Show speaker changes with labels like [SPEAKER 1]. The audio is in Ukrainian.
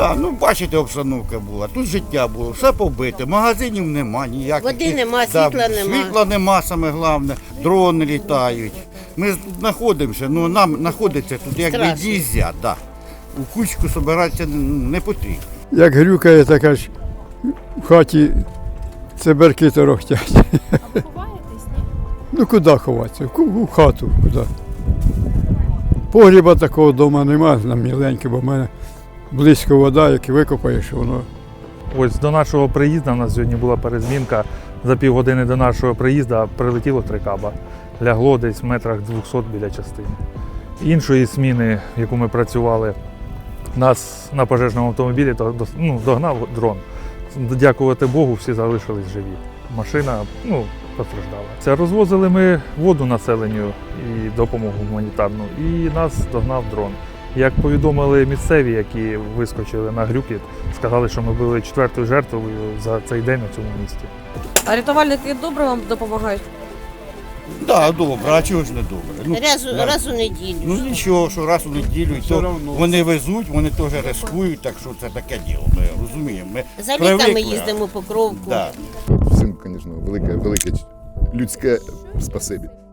[SPEAKER 1] Да, ну бачите, обстановка була, тут життя було, все побите, магазинів нема ніяких.
[SPEAKER 2] Води нема, світла нема.
[SPEAKER 1] Світла нема, саме головне, дрони літають. Ми тут знаходимося, ну нам знаходиться тут як
[SPEAKER 2] Страшно.
[SPEAKER 1] нельзя, да. У кучку збиратися не потрібно.
[SPEAKER 3] Як грюкає, така ж в хаті циберки торохтять.
[SPEAKER 4] А ви ховаєтесь, ні?
[SPEAKER 3] Ну куди ховатися? У хату, куди. Погріба такого вдома немає, нам міленьке, бо в мене близько вода, як викопаєш, воно.
[SPEAKER 5] Ось до нашого приїзду, у нас сьогодні була перезмінка, за півгодини до нашого приїзду прилетіло 3 каба. Лягло десь в метрах 200 біля частини. Іншої зміни, в яку ми працювали, нас на пожежному автомобілі догнав дрон. Дякувати Богу, всі залишились живі. Машина постраждала. Розвозили ми воду населенню і допомогу гуманітарну, і нас догнав дрон. Як повідомили місцеві, які вискочили на грюкіт, сказали, що ми були 4-ю жертвою за цей день у цьому місті.
[SPEAKER 6] А рятувальники добре вам допомагають?
[SPEAKER 1] Так, да, добре, а чого ж не добре?
[SPEAKER 2] Раз у неділю.
[SPEAKER 1] Ну нічого, що раз у неділю, то
[SPEAKER 3] равно.
[SPEAKER 1] вони везуть, вони теж рискують, так що це таке діло, ми розуміємо. Ми
[SPEAKER 2] За ліками
[SPEAKER 1] привикли.
[SPEAKER 2] їздимо по кровку.
[SPEAKER 1] Да.
[SPEAKER 7] Всім, звісно, велике людське спасибі.